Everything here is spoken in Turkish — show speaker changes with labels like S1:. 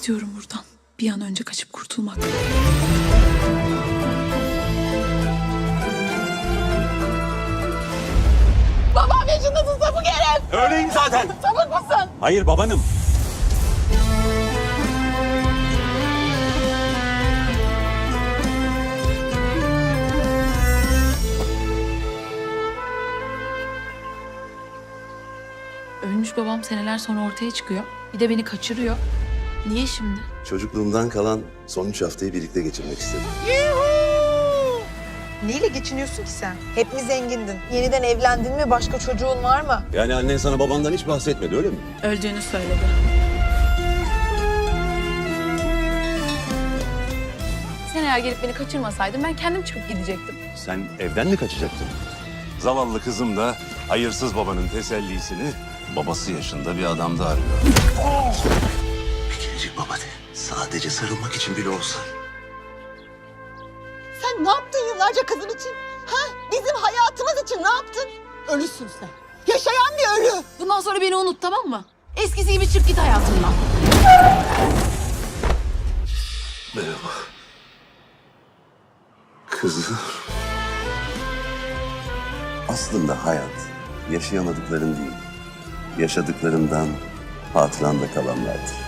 S1: istiyorum buradan. Bir an önce kaçıp kurtulmak.
S2: Babam yaşındasın sapık herif.
S3: Öyleyim zaten.
S2: Sapık mısın?
S3: Hayır babanım.
S1: Ölmüş babam seneler sonra ortaya çıkıyor. Bir de beni kaçırıyor. Niye şimdi?
S4: Çocukluğumdan kalan son 3 haftayı birlikte geçirmek istedim.
S5: Neyle geçiniyorsun ki sen? Hep mi zengindin? Yeniden evlendin mi? Başka çocuğun var mı?
S4: Yani annen sana babandan hiç bahsetmedi öyle mi?
S1: Öldüğünü söyledi. Sen eğer gelip beni kaçırmasaydın ben kendim çıkıp gidecektim.
S3: Sen evden mi kaçacaktın? Zavallı kızım da hayırsız babanın tesellisini babası yaşında bir adamda arıyor.
S4: Bir kerecik baba de. Sadece sarılmak için bile olsa.
S2: Sen ne yaptın yıllarca kızın için? Ha? Bizim hayatımız için ne yaptın? Ölüsün sen. Yaşayan bir ölü.
S1: Bundan sonra beni unut, tamam mı? Eskisi gibi çık git hayatımdan.
S4: Merhaba. Kızım. Aslında hayat yaşayamadıkların değil, yaşadıklarından hatıranda kalanlardır.